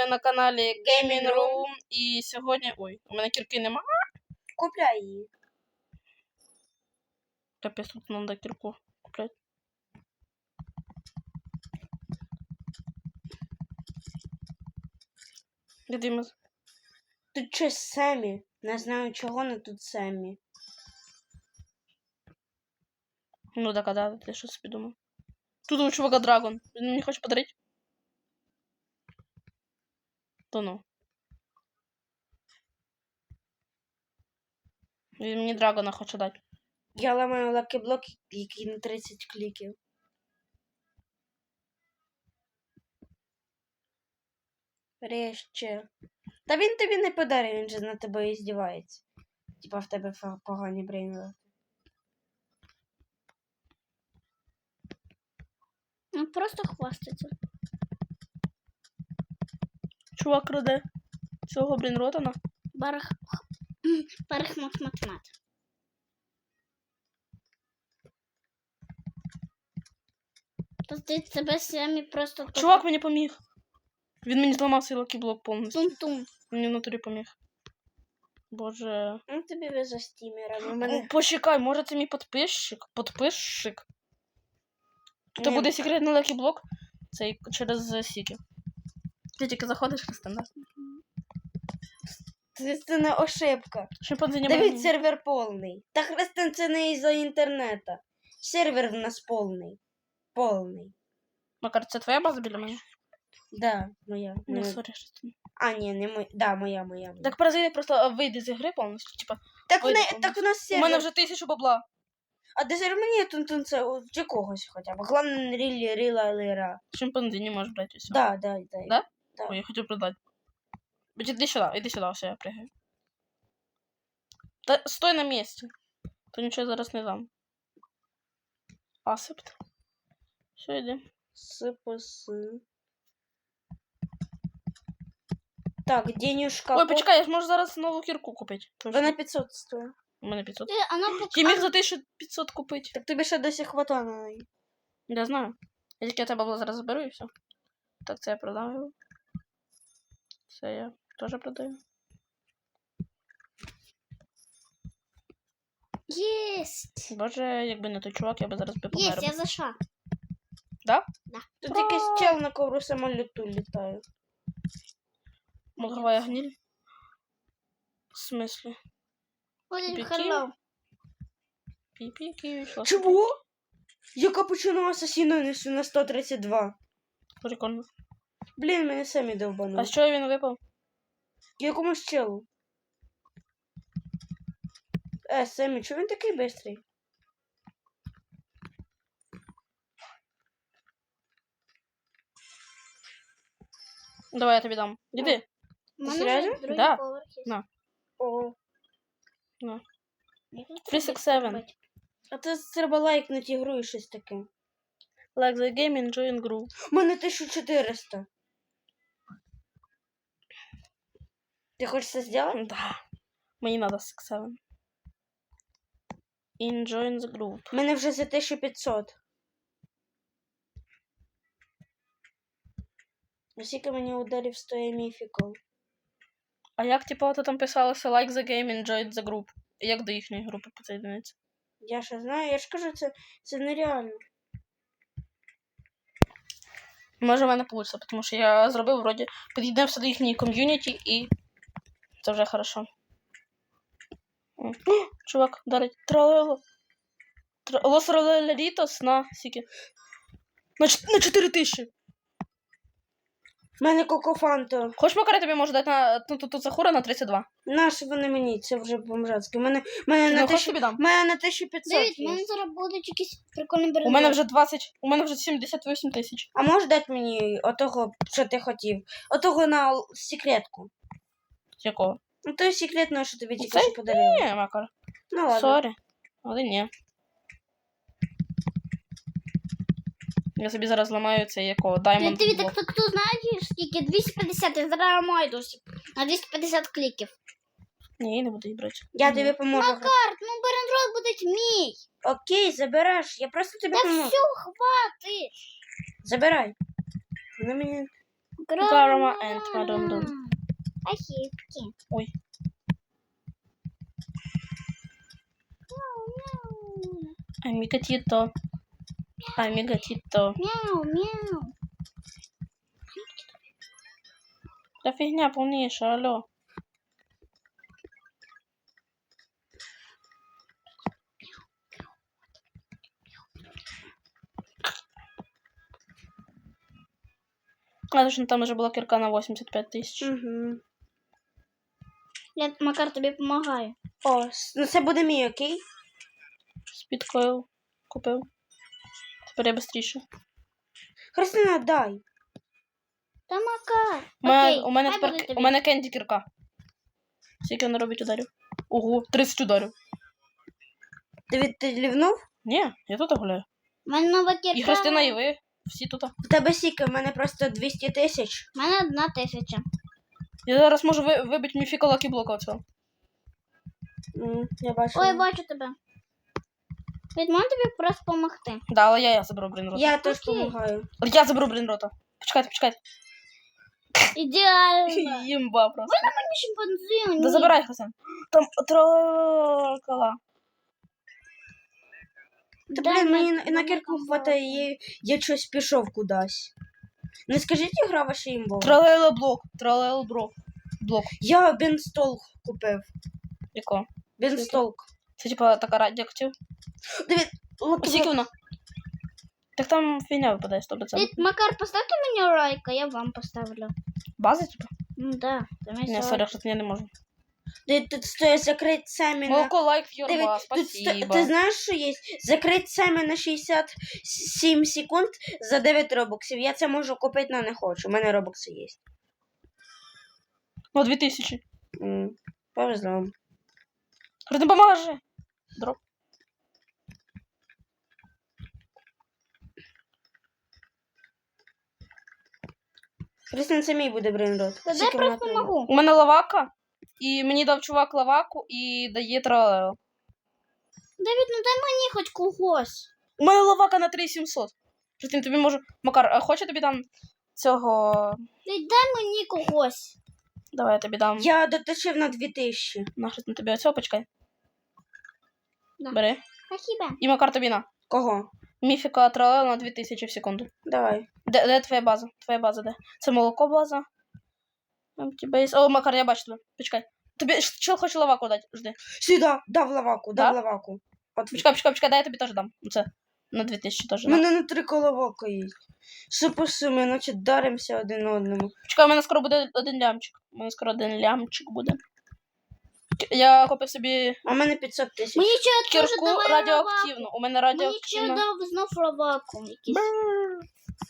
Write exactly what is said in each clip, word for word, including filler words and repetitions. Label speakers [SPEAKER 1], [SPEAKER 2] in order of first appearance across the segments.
[SPEAKER 1] на каналі Gaming Room. І сьогодні... Ой, у мене кірки нема.
[SPEAKER 2] Купляй її.
[SPEAKER 1] Капець, тут надо кірку купляти. Де Дімас?
[SPEAKER 2] Тут щось Семі. Не знаю чого, але тут Семі.
[SPEAKER 1] Ну так, а да, ти що собі думав? Тут у чувака драгон. Він мені хоче подарити? То ну. Він мені драгона хоче дати.
[SPEAKER 2] Я ламаю лакі-блок, який на тридцять кліків. Реще. Та він тобі не подарив, він же на тебе і здівається. Типа в тебе погані брейнли.
[SPEAKER 3] Ну, просто хвастаться.
[SPEAKER 1] Чувак краде цього, блін, Ротана.
[SPEAKER 3] Барах... Барахмат-матмат. Та ти тебе самі просто...
[SPEAKER 1] Чувак мені поміг. Він мені зламав цей лакі-блок повністю.
[SPEAKER 3] Тум-тум.
[SPEAKER 1] Мені в натурі поміг. Боже.
[SPEAKER 2] Ну тобі ви за стімера. У
[SPEAKER 1] Мене...
[SPEAKER 2] мене...
[SPEAKER 1] Почекай, може це мій підписчик? Підписчик? Тут
[SPEAKER 2] Ні.
[SPEAKER 1] буде секретний лакі-блок. Це через Сіки. Ти тільки заходиш в стандарт.
[SPEAKER 2] Це, це не ошибка.
[SPEAKER 1] Шимпанзе не
[SPEAKER 2] Дивись,
[SPEAKER 1] може.
[SPEAKER 2] сервер повний. Та хрестен це не із-за інтернету. Сервер в нас повний. Повний.
[SPEAKER 1] Макар, це твоя база біля мене?
[SPEAKER 2] Да, моя.
[SPEAKER 1] Не,
[SPEAKER 2] моя.
[SPEAKER 1] сорі, що це.
[SPEAKER 2] А, ні, не моя. Да, моя, моя. моя.
[SPEAKER 1] Так паразити просто вийди з ігри повністю. Типа,
[SPEAKER 2] Так,
[SPEAKER 1] вийди
[SPEAKER 2] не,
[SPEAKER 1] повністю.
[SPEAKER 2] так у нас
[SPEAKER 1] У
[SPEAKER 2] сервер.
[SPEAKER 1] мене вже тисячу бабла.
[SPEAKER 2] А де сервер мені тут це чи когось хоча б. Головне, не рілі, ріла, лира.
[SPEAKER 1] Шимпанзе не можеш брати усе.
[SPEAKER 2] Да, да, да.
[SPEAKER 1] Да?
[SPEAKER 2] Да.
[SPEAKER 1] Ой, я хотів продати. Будь, іди сюди, іди сюди, все, я пригаю. Та стой на місці. То нічого зараз не дам. Асепт. Все, йди.
[SPEAKER 2] Сипс. Так, денюшка.
[SPEAKER 1] Ой, почекай, я ж можу зараз нову кірку купити.
[SPEAKER 2] Вона п'ятсот стоїть.
[SPEAKER 1] У мене п'ятсот.
[SPEAKER 3] Ти, вона поки...
[SPEAKER 1] Я міг за тисячу п'ятсот купити.
[SPEAKER 2] Так тобі ще досі хватає на неї.
[SPEAKER 1] Я знаю. Я тільки тебе бабло зараз заберу і все. Так, це я продам його. Це я теж продаю.
[SPEAKER 3] Єсть!
[SPEAKER 1] Боже, якби не той чувак, я би зараз би
[SPEAKER 3] Єсть,
[SPEAKER 1] помер.
[SPEAKER 3] я зайшла.
[SPEAKER 1] Да?
[SPEAKER 3] Да.
[SPEAKER 2] Тут якийсь чел на ковру самоліту літає.
[SPEAKER 1] Мозговая гниль. В смысле?
[SPEAKER 3] Ой,
[SPEAKER 1] Піки?
[SPEAKER 3] hello.
[SPEAKER 1] Пі-пі-ки, що?
[SPEAKER 2] Чого? Я капучино асасіно несу на сто тридцять два.
[SPEAKER 1] Прикольно.
[SPEAKER 2] Блін, мене самі довбанули.
[SPEAKER 1] А з чого він випав?
[SPEAKER 2] Якомусь челу. Е, Семі, чого він такий бистрий?
[SPEAKER 1] Давай я тобі дам. Іди.
[SPEAKER 3] У мене
[SPEAKER 2] серйозно?
[SPEAKER 3] вже другий
[SPEAKER 1] Да.
[SPEAKER 3] поверх є.
[SPEAKER 1] На.
[SPEAKER 2] О.
[SPEAKER 1] На.
[SPEAKER 3] Я тут
[SPEAKER 1] три сікс севен.
[SPEAKER 3] робити.
[SPEAKER 2] А це треба лайкнути ігру і щось таке.
[SPEAKER 1] Like the game, enjoy гру.
[SPEAKER 2] У мене тисяча чотириста. Ти хочеш це зробити?
[SPEAKER 1] Да. Мені надо сікс севен. Enjoy the group.
[SPEAKER 2] У мене вже за тисяча п'ятсот. Скільки мені ударів стоїть міфікал?
[SPEAKER 1] А як, типа, ото там писалося like the game, enjoy the group? Як до їхньої групи підсоєдиниться?
[SPEAKER 2] Я ще знаю, я ж кажу, це, це нереально.
[SPEAKER 1] Може, в мене вийде, тому що я зробив, вроді, під'єднався до їхньої ком'юніті і це вже хорошо. О, чувак, дарить. Тралело. Лос Ролерітос на сіки. На, ч- на чотири тисячі.
[SPEAKER 2] У мене кокофанто.
[SPEAKER 1] Хочеш, Макар, тобі можу дати на ну, тут, тут Захура на тридцять два?
[SPEAKER 2] Наші вони мені, це вже бомжацьке. У мене, у мене,
[SPEAKER 1] Ну,
[SPEAKER 2] на,
[SPEAKER 1] хочеш
[SPEAKER 2] тисячу,
[SPEAKER 1] тобі дам?
[SPEAKER 2] у мене на тисяча п'ятсот
[SPEAKER 3] Дивіться, в
[SPEAKER 2] є.
[SPEAKER 3] мене зараз будуть якісь прикольні берези.
[SPEAKER 1] У мене вже двадцять, у мене вже сімдесят вісім тисяч.
[SPEAKER 2] А можеш дати мені отого, що ти хотів? Отого на л- секретку.
[SPEAKER 1] Якого?
[SPEAKER 2] Ну, той секретного, що тобі тільки
[SPEAKER 1] Цей?
[SPEAKER 2] що подарили.
[SPEAKER 1] Ні, Макар.
[SPEAKER 2] Ну ладно.
[SPEAKER 1] Сорі. Але ні. Я собі зараз ламаю цей якого
[SPEAKER 3] Ти,
[SPEAKER 1] Diamond
[SPEAKER 3] ти
[SPEAKER 1] Block.
[SPEAKER 3] так, так, хто знаєш, скільки? двісті п'ятдесят, я зараз маю досі. На двісті п'ятдесят кліків.
[SPEAKER 1] Ні, я не буду її брати.
[SPEAKER 2] Я тобі поможу.
[SPEAKER 3] Карт, ну берендрой буде мій.
[SPEAKER 2] Окей, забереш. Я просто тобі
[SPEAKER 3] Та
[SPEAKER 2] поможу.
[SPEAKER 3] все, хватить.
[SPEAKER 2] Забирай. Вони мені
[SPEAKER 1] Grandma and Madame Dun.
[SPEAKER 3] Ахівки.
[SPEAKER 1] Ой.
[SPEAKER 3] Мяу,
[SPEAKER 1] Амигатито. Амигатито.
[SPEAKER 3] мяу, мяу.
[SPEAKER 1] Да фигня полнейшая, алло. А, точно, там уже была кирка на восемьдесят пять тысяч.
[SPEAKER 2] Угу.
[SPEAKER 3] Я, Макар, тобі допомагаю.
[SPEAKER 2] О, с- ну це буде мій, окей?
[SPEAKER 1] Спидкойл купил. Теперь я быстрее.
[SPEAKER 2] Христина, дай.
[SPEAKER 3] Та Макар.
[SPEAKER 1] У мене,
[SPEAKER 3] Окей,
[SPEAKER 1] у мене
[SPEAKER 3] хай
[SPEAKER 1] тепер
[SPEAKER 3] буде
[SPEAKER 1] ки-
[SPEAKER 3] тобі.
[SPEAKER 1] у мене кенді кірка. Скільки вона робить ударів? Ого, тридцять ударів.
[SPEAKER 2] Ти від ти лівнув?
[SPEAKER 1] Ні, я тут гуляю.
[SPEAKER 3] У мене нова кірка.
[SPEAKER 1] І Христина, і ви. Всі тут.
[SPEAKER 2] В тебе сіки, в мене просто двісті тисяч.
[SPEAKER 3] У мене одна тисяча.
[SPEAKER 1] Я зараз можу ви, вибити міфіка лакі-блока оцього.
[SPEAKER 2] М, Я бачу.
[SPEAKER 3] Ой, бачу тебе. Від мене тобі просто допомогти.
[SPEAKER 1] Да, але я, я заберу брейнрота.
[SPEAKER 2] Я теж
[SPEAKER 3] Окей.
[SPEAKER 2] допомагаю.
[SPEAKER 1] Я заберу брейнрота. Почекайте, почекайте.
[SPEAKER 3] Ідеально.
[SPEAKER 1] Їмба просто.
[SPEAKER 3] Мені шимпанзе.
[SPEAKER 1] Да забирай, Христина. Там тролкала.
[SPEAKER 2] Та,
[SPEAKER 3] Дай
[SPEAKER 2] блін, мені
[SPEAKER 3] на-
[SPEAKER 2] на, на кірку
[SPEAKER 3] на-
[SPEAKER 2] хватає, я, я щось пішов кудись. Не скажіть, гра ваша імбова?
[SPEAKER 1] Тролела блок. Тролела блок. Блок.
[SPEAKER 2] Я бенстолк купив.
[SPEAKER 1] Якого?
[SPEAKER 2] Бенстолк.
[SPEAKER 1] Це типа така радіоактив.
[SPEAKER 2] Диві,
[SPEAKER 1] Скільки вона? Так там фігня випадає сто відсотків.
[SPEAKER 3] Ти, Макар, поставте мені лайк, а я вам поставлю.
[SPEAKER 1] База, типа?
[SPEAKER 3] Ну да. Там є
[SPEAKER 1] Не,
[SPEAKER 3] лайк.
[SPEAKER 1] сорі, що я не можу.
[SPEAKER 2] тут стоїть закрить самі на...
[SPEAKER 1] Молоко, лайк,
[SPEAKER 2] Диви,
[SPEAKER 1] Йорба,
[SPEAKER 2] тут сто...
[SPEAKER 1] спасибо.
[SPEAKER 2] Ти знаєш, що є? Закрить самі на шістдесят сім секунд за дев'ять робоксів. Я це можу купити, але не хочу. У мене робокси є.
[SPEAKER 1] Ну, дві тисячі.
[SPEAKER 2] М, Повезло вам.
[SPEAKER 1] Христина, поможи. Дроп.
[SPEAKER 2] Христина, це мій буде брейнрот.
[SPEAKER 3] Та дай
[SPEAKER 2] Скільки вона
[SPEAKER 3] просто
[SPEAKER 2] прийме?
[SPEAKER 3] можу.
[SPEAKER 1] У мене лавака, і мені дав чувак лаваку і дає тралео.
[SPEAKER 3] Давід, ну дай мені хоч когось.
[SPEAKER 1] У мене лавака на три сімсот. Христина, тобі можу... Макар, а хоче тобі там цього...
[SPEAKER 3] Дай, дай мені когось.
[SPEAKER 1] Давай я тобі дам.
[SPEAKER 2] Я доточив на дві тисячі.
[SPEAKER 1] На, Христина, тобі оцього почекай.
[SPEAKER 3] Да.
[SPEAKER 1] Бери.
[SPEAKER 3] А хіба?
[SPEAKER 1] І Макар тобі на.
[SPEAKER 2] Кого?
[SPEAKER 1] Міфіка тралео на дві тисячі в секунду.
[SPEAKER 2] Давай.
[SPEAKER 1] Де, де твоя база? Твоя база, де? Це молоко база. Там тебе є... О, Макар, я бачу тебе. Почекай. Тобі ш- чел хоче лаваку дати. Жди.
[SPEAKER 2] Сюди, дав лаваку, дав
[SPEAKER 1] Да?
[SPEAKER 2] лаваку. От
[SPEAKER 1] Почекай, почекай, почекай, дай я тобі теж дам. Це на дві тисячі теж.
[SPEAKER 2] у
[SPEAKER 1] на.
[SPEAKER 2] мене на три коловока є. Супер суми, наче даримося один одному.
[SPEAKER 1] Почекай, у мене скоро буде один лямчик. У мене скоро один лямчик буде. К- Я купив собі
[SPEAKER 2] А в мене п'ятсот тисяч.
[SPEAKER 3] Мені ще теж
[SPEAKER 1] кірку
[SPEAKER 3] давай
[SPEAKER 1] радіоактивну. У мене
[SPEAKER 3] лаваку. Мені ще
[SPEAKER 1] радіоактивна.
[SPEAKER 3] дав знов лаваку. Якийсь.
[SPEAKER 1] Бррр.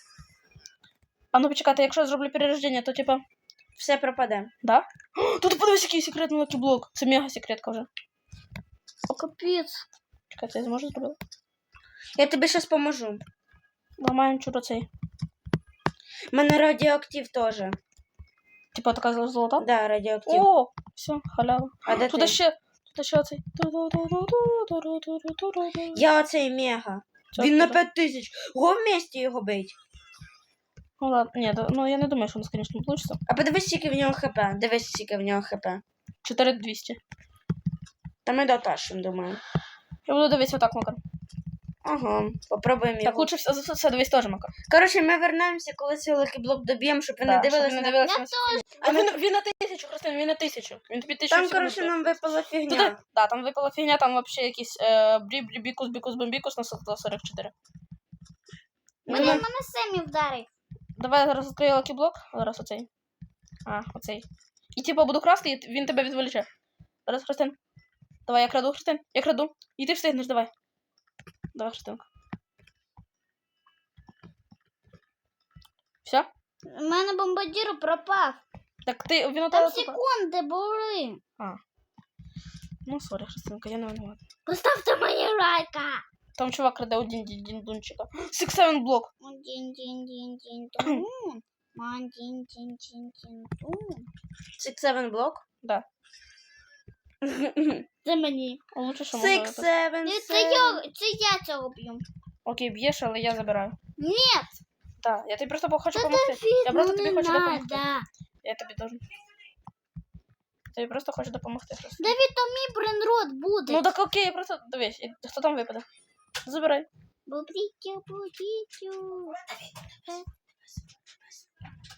[SPEAKER 1] А ну почекайте, якщо я зроблю перерождення, то типа.
[SPEAKER 2] Все пропаде.
[SPEAKER 1] Да? О, тут подивись, який секретний лакіблок. Це мега секретка вже.
[SPEAKER 3] О, капець.
[SPEAKER 1] Чекай, це я зможу зробити?
[SPEAKER 2] Я тобі щас поможу.
[SPEAKER 1] Ламаємо чудо цей.
[SPEAKER 2] У мене радіоактив теж.
[SPEAKER 1] Типа така зол- золота.
[SPEAKER 2] Да, радіоактив.
[SPEAKER 1] О, все, халява.
[SPEAKER 2] А де
[SPEAKER 1] Тут
[SPEAKER 2] ти?
[SPEAKER 1] ще, тут ще оцей.
[SPEAKER 2] Я оцей мега.
[SPEAKER 1] Це
[SPEAKER 2] Він на
[SPEAKER 1] откуда?
[SPEAKER 2] п'ять тисяч. Го вместе його бить.
[SPEAKER 1] Ну ладно, ні, да- ну я не думаю, що у нас, звісно, вийде.
[SPEAKER 2] А подивись, скільки в нього хп. Дивись, скільки в нього хп.
[SPEAKER 1] чотири тисячі двісті.
[SPEAKER 2] Та ми дотащим, думаю.
[SPEAKER 1] Я буду дивитися отак, Макар.
[SPEAKER 2] Ага, попробуємо
[SPEAKER 1] Так,
[SPEAKER 2] його.
[SPEAKER 1] лучше все, все, все дивись теж, Макар.
[SPEAKER 2] Коротше, ми вернемося, коли цей лакіблок доб'ємо, щоб ви
[SPEAKER 1] Да,
[SPEAKER 2] не
[SPEAKER 1] щоб
[SPEAKER 2] дивились
[SPEAKER 1] ви
[SPEAKER 2] на...
[SPEAKER 1] не дивилися
[SPEAKER 3] Я
[SPEAKER 1] на
[SPEAKER 3] теж.
[SPEAKER 1] А він, він на тисячу, Христина, він на тисячу. Він тобі тисячу
[SPEAKER 2] Там,
[SPEAKER 1] всього
[SPEAKER 2] коротше,
[SPEAKER 1] не
[SPEAKER 2] нам випала фігня.
[SPEAKER 1] Туди, да, там випала фігня, там вообще якийсь е, брі, брі, бікус, бікус, бомбікус на сто сорок чотири.
[SPEAKER 3] Мене,
[SPEAKER 1] Давай,
[SPEAKER 3] мене Семі вдарив.
[SPEAKER 1] давай я зараз відкрию лакіблок. Зараз оцей. А, оцей. І типу буду красти, і він тебе відволіче. Зараз, Христин. Давай, я краду, Христин. Я краду. І ти встигнеш, давай. Давай, Христинка. Все?
[SPEAKER 3] У мене бомбардір пропав.
[SPEAKER 1] Так ти, він у
[SPEAKER 3] Там
[SPEAKER 1] тебе тут.
[SPEAKER 3] секунди були.
[SPEAKER 1] Ну, сорі, Христинка, я не винувата.
[SPEAKER 3] Поставте мені лайка.
[SPEAKER 1] Там чувак краде один діндунчика. Six seven блок.
[SPEAKER 3] Дін, дін, дін, дін, тун. Ман, дін, дін, дін, дін, тун.
[SPEAKER 2] Six seven блок?
[SPEAKER 1] Да.
[SPEAKER 3] Це мені.
[SPEAKER 1] А лучше, що можна
[SPEAKER 2] Six
[SPEAKER 1] випити.
[SPEAKER 2] seven
[SPEAKER 3] Це
[SPEAKER 2] seven.
[SPEAKER 3] я, це я цього б'ю.
[SPEAKER 1] Окей, б'єш, але я забираю.
[SPEAKER 3] Ні.
[SPEAKER 1] Так, я тобі просто хочу
[SPEAKER 3] Та
[SPEAKER 1] допомогти.
[SPEAKER 3] Давид,
[SPEAKER 1] Я просто
[SPEAKER 3] ну
[SPEAKER 1] тобі
[SPEAKER 3] не
[SPEAKER 1] хочу допомогти.
[SPEAKER 3] надо.
[SPEAKER 1] Я тобі должен. Тобі просто хочу допомогти. Просто.
[SPEAKER 3] Давид, то мій бренрод буде.
[SPEAKER 1] Ну так окей, просто дивись, і хто там випаде? Забирай.
[SPEAKER 3] Бобрітю, бобрітю.